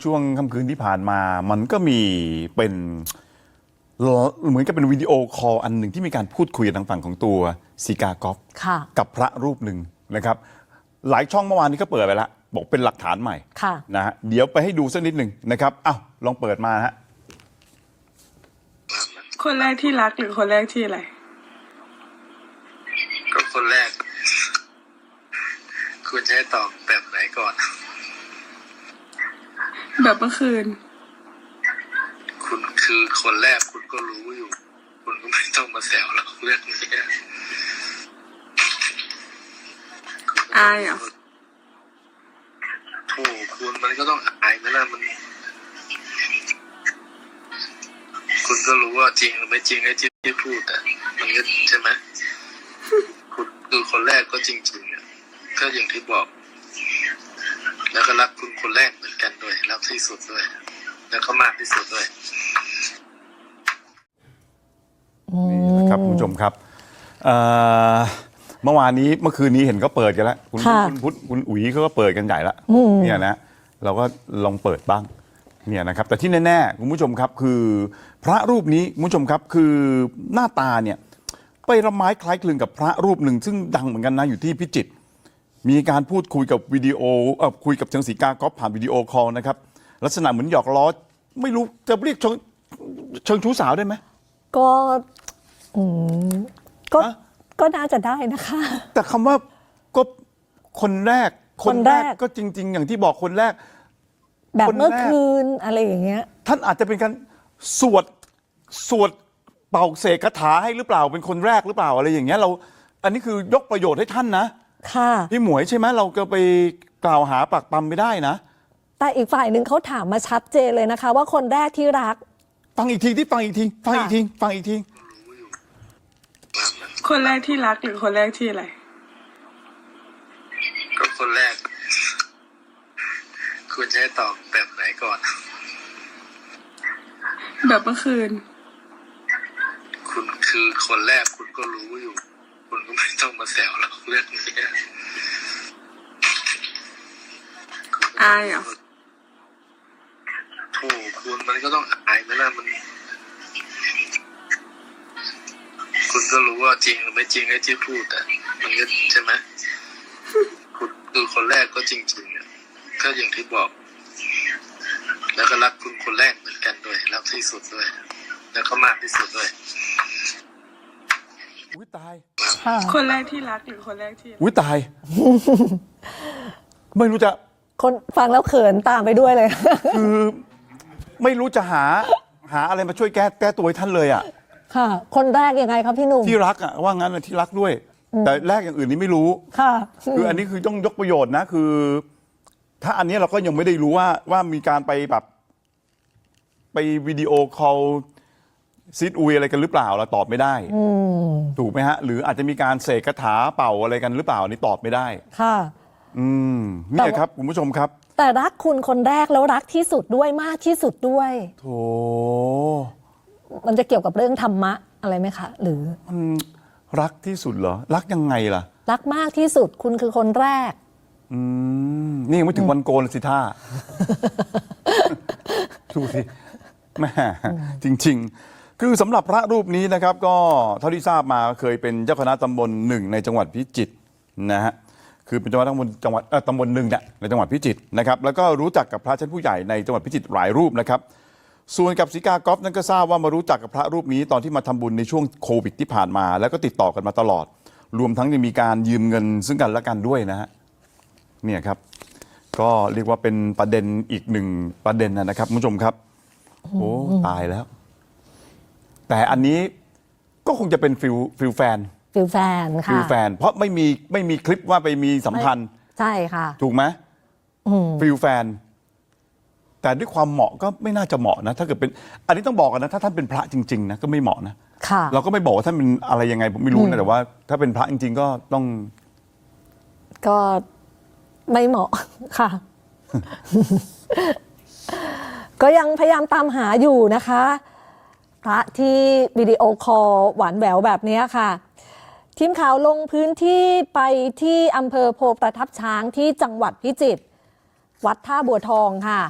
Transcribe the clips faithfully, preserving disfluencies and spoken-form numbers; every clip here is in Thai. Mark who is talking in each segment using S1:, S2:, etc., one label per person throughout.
S1: ช่วงค่ำคืนที่ผ่านมามันก็มีเป็นเหมือนกับเป็นวิดีโอคอลอันหนึ่งที่มีการพูดคุยทางฝั่งของตัวซีกากอฟกับพระรูปหนึ่งนะครับหลายช่องเมื่อวานนี้ก็เปิดไปแล้วบอกเป็นหลักฐานใหม่นะฮะเดี๋ยวไปให้ดูสักนิดหนึ่งนะครับอ้าวลองเปิดมาฮะ
S2: คนแรกที่รักหรือคนแรกที่อะไร
S3: ก็คนแรกคุณจะให้ตอบแบบไหนก่อน
S2: แบบเมื่อคืน
S3: คุณคือคนแรกคุณก็รู้อยู่คุณก็ไม่ต้องมาแซวหรอกเรื่องนี้
S2: อายเหรอ
S3: โอ้คุณมันก็ต้องอายไหมล่ะมันคุณก็รู้ว่าจริงหรือไม่จริงไอ้ที่ที่พูดอ่ะมันก็ใช่ไหมคุณคือคนแรกก็จริงๆอ่ะก็อย่างที่บอกแล้วก็รักคุณคนแรกเหมือนกันด้วยรักที่สุดด้วยแล้วก็มากที่สุดด้วย
S1: นี่นะครับคุณผู้ชมครับเมื่อวานนี้เมื่อคืนนี้เห็นก็เปิดกันแล้วคุณคุณพุทธคุณอุ๋ยเขาก็เปิดกันใหญ่ละเนี่ยนะเราก็ลองเปิดบ้างเนี่ยนะครับแต่ที่แน่ๆคุณผู้ชมครับคือพระรูปนี้คุณผู้ชมครับคือหน้าตาเนี่ยไปละไม้คล้ายคลึงกับพระรูปหนึ่งซึ่งดังเหมือนกันนะอยู่ที่พิจิตรมีการพูดคุยกับวิดีโอเอ่อคุยกับเชิงศรีกากอฟผ่านวิดีโอคอลนะครับลักษณะเหมือนหยอกล้อไม่รู้จะเรียกเชิงเชิงชู้สาวได้ไหม
S4: ก็อืมก็ก็น่าจะได้นะคะ
S1: แต่คำว่าก็คนแรกคนแรกก็จริงๆอย่างที่บอกคนแรก
S4: แบบเมื่อคืนอะไรอย่างเงี้ย
S1: ท่านอาจจะเป็นการสวดสวดเป่าเสกคาถาให้หรือเปล่าเป็นคนแรกหรือเปล่าอะไรอย่างเงี้ยเราอันนี้คือยกประโยชน์ให้ท่านนะ
S4: ค่ะ
S1: พี่หมวยใช่ไหมเราก็ไปกล่าวหาปักปั๊มไม่ได้นะ
S4: แต่อีกฝ่ายหนึ่งเขาถามมาชัดเจนเลยนะคะว่าคนแรกที่รัก
S1: ฟังอีกทีที่ฟังอีกทีฟังอีกทีฟังอีกที
S2: คนแรกที่รักหรือคนแรกที่อะไร
S3: ก็คนแรกคุณจะให้ตอบแบบไหนก่อน
S2: แบบเมื่อคืน
S3: คุณคือคนแรกคุณก็รู้อยู่คุณก็ไม่ต้องมาแซวหรอกเรื่องนี้
S2: อายเหรอ
S3: โอ้คุณมันก็ต้องอายไหมล่ะมันคุณก็รู้ว่าจริงหรือไม่จริงไอ้ที่พูดอ่ะมันก็ใช่ไหมคุณคือคนแรกก็จริงๆอ่ะก็อย่างที่บอกแล้วก็รักคุณคนแรกเหมือนกันด้วยรักที่สุดด้วยแล้วก็มากที่สุดด้วย
S1: อุ้ยตาย
S2: คนแรกที่รักหรือคนแรกที่
S1: อุ้ยตายไม่รู้จะ
S4: คนฟังแล้วเขินตามไปด้วยเลย
S1: คือไม่รู้จะหาหาอะไรมาช่วยแก้แก้ตัวให้ท่านเลยอ่ะ
S4: ค่ะคนแรกยังไงครับพี่หนุ่ม
S1: ที่รักอ่ะว่างั้นนะที่รักด้วยแต่แรกอย่างอื่นนี้ไม่รู้
S4: ค่ะ
S1: คืออันนี้คือต้องยกประโยชน์นะคือถ้าอันนี้เราก็ยังไม่ได้รู้ว่าว่ามีการไปแบบไปวิดีโอคอลซิดอุยอะไรกันหรือเปล่าเราตอบไม่ได้ถูกไหมฮะหรืออาจจะมีการเสกคาถาเป่าอะไรกันหรือเปล่านี่ตอบไม่ได้
S4: ค่ะ
S1: อืมนี่ครับคุณผู้ชมครับ
S4: แต่รักคุณคนแรกแล้วรักที่สุดด้วยมากที่สุดด้วย
S1: โธ่
S4: มันจะเกี่ยวกับเรื่องธรรมะอะไรไหมคะหรือ
S1: มันรักที่สุดเหรอรักยังไงล่ะ
S4: รักมากที่สุดคุณคือคนแรก
S1: อืมนี่ยังไม่ถึงวันโกนสิท่าดูสิแม่จริงๆคือสำหรับพระรูปนี้นะครับก็เท่าที่ทราบมาเคยเป็นเจ้าคณะตำบลหนึ่งในจังหวัดพิจิตรนะฮะคือเป็นเจ้าคณะตำบลจังหวัดตำบลหนึ่งเนี่ยในจังหวัดพิจิตรนะครับแล้วก็รู้จักกับพระชั้นผู้ใหญ่ในจังหวัดพิจิตรหลายรูปนะครับส่วนกับศรีกากอฟนั้นก็ทราบว่ามารู้จักกับพระรูปนี้ตอนที่มาทำบุญในช่วงโควิดที่ผ่านมาแล้วก็ติดต่อกันมาตลอดรวมทั้งยังมีการยืมเงินซึ่งกันและกันด้วยนะฮะเนี่ยครับก็เรียกว่าเป็นประเด็นอีกหนึ่งประเด็นนะครับคุณผู้ชมครับโอ้ตายแล้วแต่อันนี้ก็คงจะเป็นฟิลฟิลแฟน
S4: ฟิลแฟนค่ะ
S1: ฟิลแฟนเพราะไม่มีไม่มีคลิปว่าไปมีสัมพันธ์
S4: ใช่ค่ะ
S1: ถูกไหมฟิลแฟนแต่ด้วยความเหมาะก็ไม่น่าจะเหมาะนะถ้าเกิดเป็นอันนี้ต้องบอกกันนะถ้าท่านเป็นพระจริงๆนะก็ไม่เหมาะนะเราก็ไม่บอกว่าท่านเป็นอะไรยังไงผมไม่รู้นะแต่ว่าถ้าเป็นพระจริงๆก็ต้อง
S4: ก็ไม่เหมาะค่ะ ก็ยังพยายามตามหาอยู่นะคะพระที่วิดีโอคอลหวานแหววแบบนี้ค่ะทีมข่าวลงพื้นที่ไปที่อำเภอโพประทับช้างที่จังหวัดพิจิตรวัดท่าบัวทองค่ะ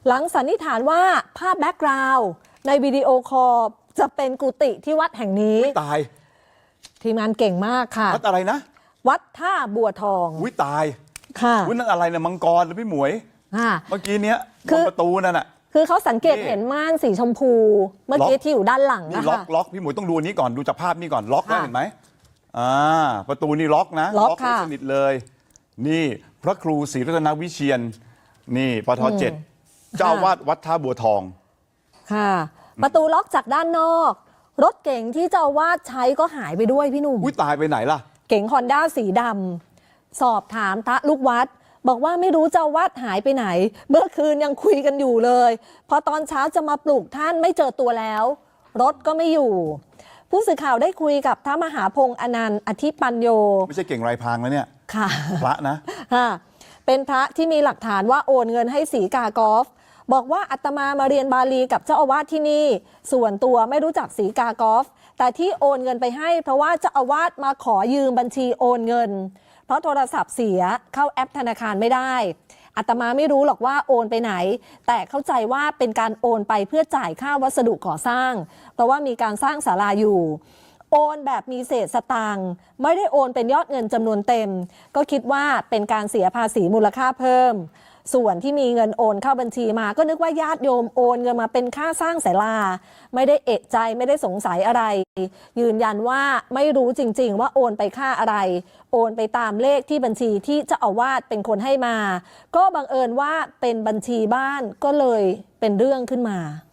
S4: หลังสันนิษฐานว่าภาพแบ็กกราวด์ในวิดีโอคอลจะเป็นกุฏิที่วัดแห่งนี้
S1: ตาย
S4: ทีมงานเก่งมากค่ะ
S1: วัดอะไรนะ
S4: วัดท่าบัวทอง
S1: วิตาย
S4: ค่ะ
S1: วินั่นอะไรนะมังกรหรือพี่หมวย
S4: ค่ะ
S1: เมื่อกี้เนี้ย
S4: คื
S1: บ
S4: อ
S1: นประตูนั่นน่ะ
S4: คือเขาสังเกต
S1: นี่
S4: เห็นม่านสีชมพู เมื่อกี้
S1: ล็อก
S4: ที่อยู่ด้านหลัง
S1: นี่
S4: นะ
S1: ล็อก
S4: คะ
S1: ล็อกพี่หมวยต้องดูอันนี้ก่อนดูจากภาพนี้ก่อนล็อกนะ
S4: ค่ะ
S1: เห็นไหมอ่าประตูนี่ล็อกนะ
S4: ล็อก
S1: ไว้
S4: ค่ะ
S1: สนิทเลย นี่พระครูศรีรัตนวิเชียนนี่ปทเจ็ดเจ้าอาวาดวัดท่าบัวทอง
S4: ค่ะ ประตูล็อกจากด้านนอก รถเก๋งที่เจ้าอาวาดใช้ก็หายไปด้วยพี่หนุ่ม
S1: อุ้ยตายไปไหนล่ะ
S4: เก๋งฮอนด้าสีดำสอบถามพระลูกวัด บอกว่าไม่รู้เจ้าอาวาดหายไปไหน เมื่อคืนยังคุยกันอยู่เลย พอตอนเช้าจะมาปลุกท่านไม่เจอตัวแล้ว รถก็ไม่อยู่ ผู้สื่อข่าวได้คุยกับพระมหาพงษ์อนันต์อธิปัญโย
S1: ไม่ใช่เก่งไรพรางแล้วเนี่ย
S4: ค่ะ
S1: พระนะ
S4: ค่ะเป็นพระที่มีหลักฐานว่าโอนเงินให้สีกากอฟบอกว่าอาตมามาเรียนบาลีกับเจ้าอาวาสที่นี่ ส่วนตัวไม่รู้จักสีกากอฟแต่ที่โอนเงินไปให้เพราะว่าเจ้าอาวาสมาขอยืมบัญชีโอนเงิน เพราะโทรศัพท์เสียเข้าแอปธนาคารไม่ได้อาตมาไม่รู้หรอกว่าโอนไปไหน แต่เข้าใจว่าเป็นการโอนไปเพื่อจ่ายค่าวัสดุก่อสร้าง เพราะว่ามีการสร้างศาลาอยู่ โอนแบบมีเศษสตางค์ไม่ได้โอนเป็นยอดเงินจำนวนเต็ม ก็คิดว่าเป็นการเสียภาษีมูลค่าเพิ่ม ส่วนที่มีเงินโอนเข้าบัญชีมาก็นึกว่าญาติโยมโอนเงินมาเป็นค่าสร้างศาลาไม่ได้เอะใจไม่ได้สงสัยอะไร ยืนยันว่าไม่รู้จริงๆว่าโอนไปค่าอะไร โอนไปตามเลขที่บัญชีที่เจ้าอาวาสเป็นคนให้มา ก็บังเอิญว่าเป็นบัญชีบ้านก็เลยเป็นเรื่องขึ้นมา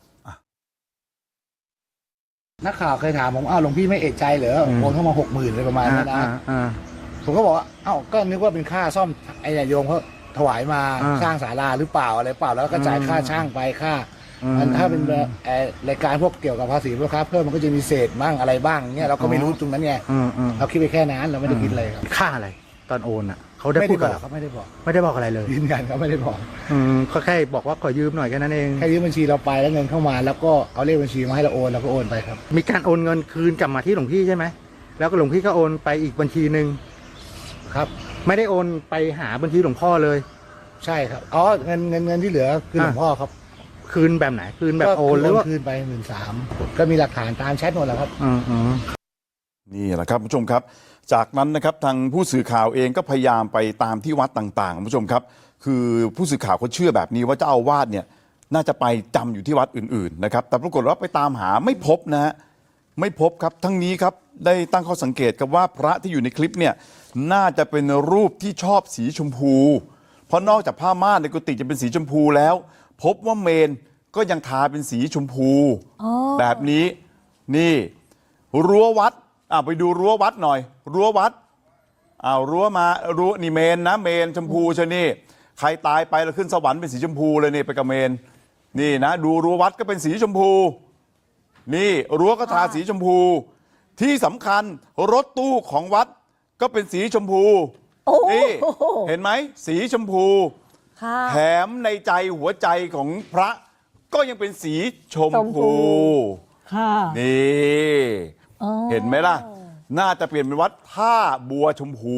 S5: นักข่าวเคยถามผมอ้าวหลวงพี่ไม่เอะใจเหรอโอนเข้ามาหกหมื่นเลยประมาณนั้นนะ
S6: อ่า
S5: ผมก็บอกว่าอ้าวก็นึกว่าเป็นค่าซ่อมไอ้เนี่ยโยมเขาถวายมา
S6: อ่า
S5: สร้างศาลาหรือเปล่าอะไรเปล่าแล้วก็จ่ายค่าช่างไปค่า
S6: อืม
S5: มันถ้าเป็นเอ่อรายการพวกเกี่ยวกับภาษีมูลค่าเพิ่มมันก็จะมีเศษบ้างอะไรบ้างเนี่ยเราก็ไม่รู้ตรงนั้นไง
S6: อืมอืม
S5: เราคิดไปแค่นั้นเราไม่ได้คิดอะไรครับ
S6: ค่าอะไร ตอนโอนอ่ะเขาได้
S5: ไม่
S6: พู
S5: ได้
S6: ด
S5: บ
S6: กั
S5: อบ ก
S6: เรา
S5: เขาไม่ได้บอก
S6: ไม่ได้บอกอะไรเลย
S5: ยืนยันเขาไม่ได้บอก
S6: อืมก็แค่บอกว่าขอยืมหน่อยแค่นั้นเอง
S5: แค่ยืมบัญชีเราไปแล้วเงินเข้ามา แล้วก็เอาเลขบัญชีมาให้เราโอนเราก็โอนไปครับ
S6: มีการโอนเงินคืนกลับมาที่หลวงพี่ใช่ไหมแล้วก็หลวงพี่ก็โอนไปอีกบัญชีหนึ่ง
S5: ครับ
S6: ไม่ได้โอนไปหาบัญชีหลวงพ่อเลย
S5: ใช่ครับอ๋อเงินเงินเงินที่เหลือคือหลวงพ่อครับ
S6: คืนแบบไหนคืนแบบโอนหรือว่า
S5: คืนไปหมื่นสามก็มีหลักฐานตามแชทหมดแล้วครับ
S6: อืมอืม
S1: นี่แหละครับคุณผู้ชมครับ จากนั้นนะครับทางผู้สื่อข่าวเองก็พยายามไปตามที่วัดต่างๆคุณผู้ชมครับ คือผู้สื่อข่าวเขาเชื่อแบบนี้ว่าเจ้าอาวาสเนี่ยน่าจะไปจำอยู่ที่วัดอื่นๆนะครับแต่ปรากฏว่าไปตามหาไม่พบนะฮะไม่พบครับทั้งนี้ครับได้ตั้งข้อสังเกตกับว่าพระที่อยู่ในคลิปเนี่ยน่าจะเป็นรูปที่ชอบสีชมพู เพราะนอกจากผ้าม่านในกุฏิจะเป็นสีชมพูแล้ว พบว่าเมนก็ยังทาเป็นสีชมพู
S4: อ๋อ
S1: แบบนี้นี่รั้ววัดอ่าไปดูรั้ววัดหน่อย รั้ววัดอ้าวรั้วมารั้วนี่เมนนะเมนชมพูชะนี่ใครตายไปแล้วขึ้นสวรรค์เป็นสีชมพูเลยนี่ไปกับเมนนี่นะดูรั้ววัดก็เป็นสีชมพู นี่รั้วก็ทาสีชมพู ที่สำคัญรถตู้ของวัดก็เป็นสีชมพู
S4: โอ้
S1: นี่เห็นไหมสีชมพู
S4: ค่ะ
S1: แถมในใจหัวใจของพระก็ยังเป็นสีชม
S4: ชมพู
S1: พู
S4: ค่ะ
S1: นี่
S4: อ๋อ
S1: เห็นไหมล่ะ น่าจะเปลี่ยนเป็นวัดท่าบัวชมพู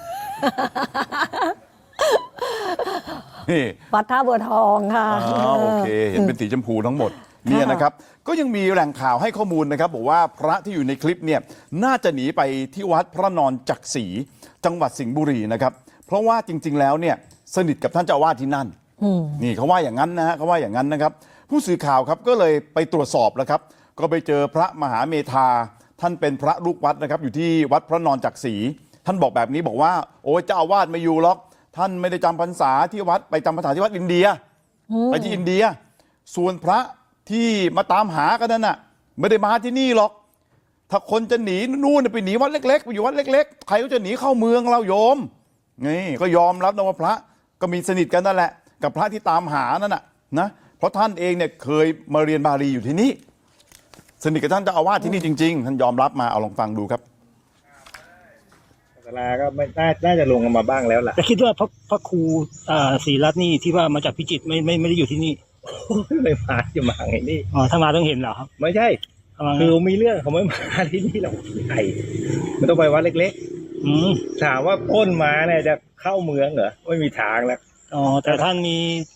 S1: นี่
S4: วัดท่าบัวทองค่ะ
S1: อ๋อโอเค เห็นเป็นสีชมพูทั้งหมดเนี่ยนะครับ ก็ยังมีแหล่งข่าวให้ข้อมูลนะครับ บอกว่าพระที่อยู่ในคลิปเนี่ยน่าจะหนีไปที่วัดพระนอนจักรีจังหวัดสิงห์บุรีนะครับ เพราะว่าจริง ๆ แล้วเนี่ยสนิทกับท่านเจ้าอาวาสที่นั่น นี่เขาว่าอย่างนั้นนะฮะเขาว่าอย่างนั้นนะครับ ผู้สื่อข่าวครับก็เลยไปตรวจสอบแล้วครับ ก็ไปเจอพระมหาเมธาท่านเป็นพระลูกวัดนะครับ อยู่ที่วัดพระนอนจักรีท่านบอกแบบนี้บอกว่าโอ้ยเจ้าอาวาสไม่อยู่หรอกท่านไม่ได้จำพรรษาที่วัดไปจำพรรษาที่วัดอินเดียไปที่อินเดีย ส่วนพระที่มาตามหากันนั่นน่ะไม่ได้มาที่นี่หรอก ถ้าคนจะหนีนู่นไปหนีวัดเล็กๆไปอยู่วัดเล็กๆใครก็จะหนีเข้าเมืองเราโยมนี่ก็ยอมรับนะว่าพระก็มีสนิทกันนั่นแหละกับพระที่ตามหานั่นน่ะนะเพราะท่านเองเนี่ยเคยมาเรียนบาลีอยู่ที่นี่สนิทกับท่านเจ้าอาวาสที่นี่จริงๆท่านยอมรับมาเอาลองฟังดูครับ
S7: ศาลาก็ไม่น่าน่าจะลงกันมาบ้างแล้วล่ะ
S8: แต่คิดว่าพระพระครูอ่าศรีรัตน์นี่ที่ว่ามาจากพิจิตรไม่ไม่ไม่ได้อยู่ที่นี่
S7: ไม่มาจะมาไงนี่
S8: อ๋อถ้ามาต้องเห็นเหรอครับ
S7: ไม่ใช่
S8: ประมาณ
S7: คื
S8: นั้น
S7: อมีเรื่องเขาไม่มาที่นี่หรอกใหญ่มันต้องไปวัดเล็ก
S8: อืม
S7: ๆถามว่าพ้นมาเนี่ยจะเข้าเมืองเหรอไม่มีทางแล้ว
S8: อ๋อแต่ท่านมี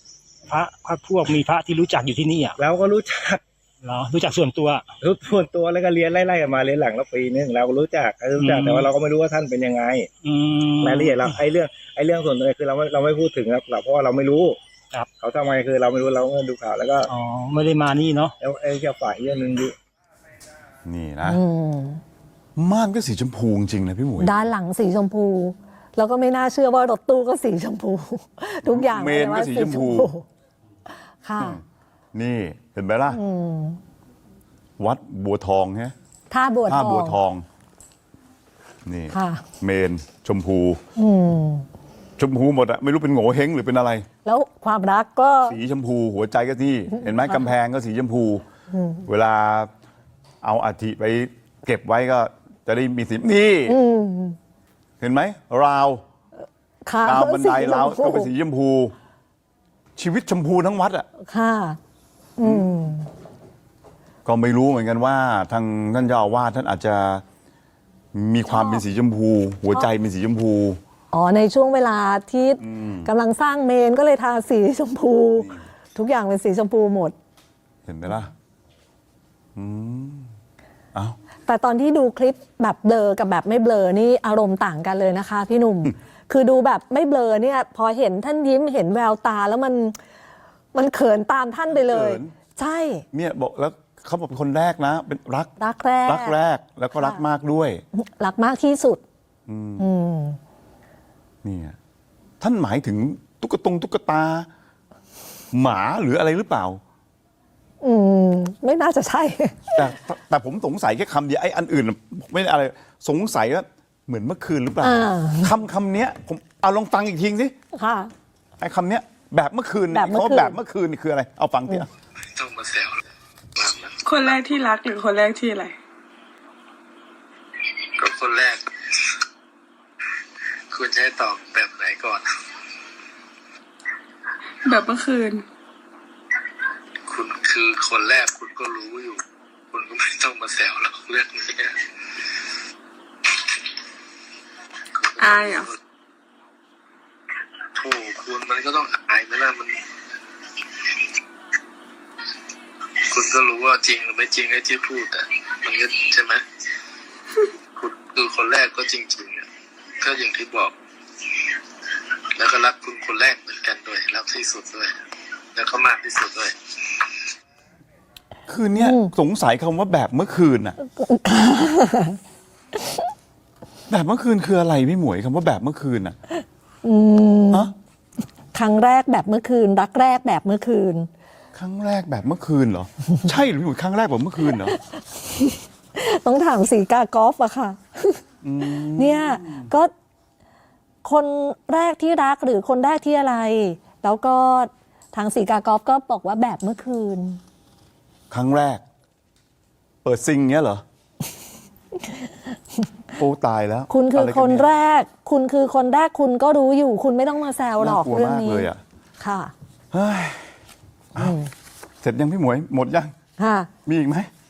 S8: พระพระพวกมีพระที่รู้จักอยู่ที่นี่อ่ะ
S7: เราก็รู้จัก
S8: เหรอรู้จักส่วนตัว
S7: รู้ส่วนตัวแล้วก็เรียนไล่ๆกันมาเรียนหลังแล้วปีนึงเราก็รู้จักรู้จัก
S8: อืม
S7: แต่ว่าเราก็ไม่รู้ว่าท่านเป็นยังไง
S8: อืม
S7: รายละเอียดเราไอ้เรื่องไอ้เรื่องส่วนตัวคือเราไม่เราไม่พูดถึงครับเราเพราะว่าเราไม่รู้
S8: ครับ
S7: เขาทำไมคือเราไม่รู้เราก็ดูข่าวแล้วก็
S8: อ๋อไม่ได้มานี่เนาะ
S7: แล้วไอ้แค่ฝ่ายเรื่องนึงดิ
S1: นี่นะ
S4: อืม
S1: ม่านก็สีชมพูจริงๆนะพี่หมวย
S4: ด้านหลังสีชมพู แล้วก็ไม่น่าเชื่อว่ารถตู้ก็สีชมพู ทุกอย่าง
S1: เมนก็สีชมพู
S4: ค่ะ
S1: นี่เห็นไหมล่ะ
S4: อืม
S1: วัดบัวทองฮะ
S4: ท่าบัวท
S1: ท่า
S4: อง
S1: บัวทอง นี่
S4: ค่ะ
S1: เมนชมพู
S4: อืม
S1: ชมพูหมดอะไม่รู้เป็นโง่เฮงหรือเป็นอะไร
S4: แล้วความรักก็
S1: สีชมพู หัวใจก็ที่ เห็นไหมกำแพงก็สีชมพู เวลาเอาอัฐิไปเก็บไว้ก็จะได้มีสีนี่
S4: อืม
S1: เห็นไหมราว
S4: ค่ะ
S1: ราวบันได
S4: สีชม
S1: ราว
S4: พู
S1: ก็เป็นสีชมพู ชีวิตชมพูทั้งวัดอะ
S4: ค่ะ อืม
S1: ก็ไม่รู้เหมือนกันว่า ทางท่านเจ้าอาวาสท่านอาจจะมีความเป็นสีชมพู หัวใจเป็นสีชมพู
S4: อ๋อในช่วงเวลาที่กำลังสร้างเมนก็เลยทาสีชมพู ทุกอย่างเป็นสีชมพูหมด
S1: เห็นไหมล่ะ อืมเอ้า
S4: แต่ตอนที่ดูคลิปแบบเบลอกับแบบไม่เบลอนี่อารมณ์ต่างกันเลยนะคะ พี่หนุ่ม คือดูแบบไม่เบลอเนี่ย พอเห็นท่านยิ้มเห็นแววตาแล้วมันมันเขินตามท่านไปเลย
S1: เขิน
S4: ใช่
S1: เนี่ยบอกแล้วเขาบอกเป็นคนแรกนะ เป็นรัก
S4: รักแรก
S1: รักแรกแล้วก็รักมากด้วย
S4: รักมากที่สุด
S1: อืม
S4: อืม
S1: เนี่ยท่านหมายถึงตุ๊กตงตุ๊กตา หมาหรืออะไรหรือเปล่า
S4: อืม ไม่น่าจะใช่
S1: แต่แต่ผมสงสัยแค่คำเดียวไอ้อันอื่นไม่ได้อะไร สงสัยว่าเหมือนเมื่อคืนหรือเปล่า
S4: อ่า
S1: คำคำเนี้ยผมเอาลองฟังอีกทีสิ
S4: ค่ะ
S1: ไอ้คำเนี้ยแบบเมื่อคืน
S4: แบบเมื่อคืน
S1: ขาแบบเมื่อคืนนี่คืออะไร เอาฟังที
S3: ต้องมาแซวมากนะ
S2: คนแรกที่รักหรือคนแรกที่อะไร
S3: ก็คนแรก คุณจะให้ตอบแบบไหนก่อน
S2: แบบเมื่อคืน
S3: คุณคือคนแรกคุณก็รู้อยู่ คุณก็ไม่ต้องมาแซวหรอกเรื่องนี้
S2: อายเหรอ
S3: โธ่คุณมันก็ต้องอายไหมล่ะมัน คุณก็รู้ว่าจริงหรือไม่จริงไอ้ที่พูดอ่ะมันก็ใช่ไหมคุณคือคนแรกก็จริงๆอ่ะก็อย่างที่บอก แล้วก็รักคุณคนแรกเหมือนกันด้วยรักที่สุดด้วย แล้วก็มากที่สุดด้วย
S1: คืนเนี้ยสงสัยคำว่าแบบเมื่อคืนน่ะ แบบเมื่อคืนคืออะไรพี่หมวยคำว่าแบบเมื่อคืนน่ะ
S4: อืม
S1: ฮะ
S4: ครั้งแรกแบบเมื่อคืน รักแรกแบบเมื่อคืน
S1: ครั้งแรกแบบเมื่อคืนเหรอ ใช่หรือพี่หมวยครั้งแรกแบบเมื่อคืนเหรอ
S4: ต้องถามสีกากอล์ฟอะค่ะ เนี่ยก็คนแรกที่รักหรือคนแรกที่อะไร แล้วก็ทางสีกากอล์ฟก็บอกว่าแบบเมื่อคืน
S1: ครั้งแรก เปิดซิงเงี้ยเหรอ โอ้ตายแล้ว
S4: คุณคือ
S1: อะไร
S4: คน
S1: กัเย
S4: แรก คุณคือคนแรกคุณก็รู้อยู่ คุณไม่ต้องมาแซวหรอก
S1: น่ากลัว
S4: เรื่อง
S1: มาก
S4: นี้
S1: เลยอ่ะ
S4: ค่ะ
S1: เฮ้ยอ้าวเสร็จยังพี่หมวย หมดยัง
S4: ค่ะ
S1: มีอีกไหม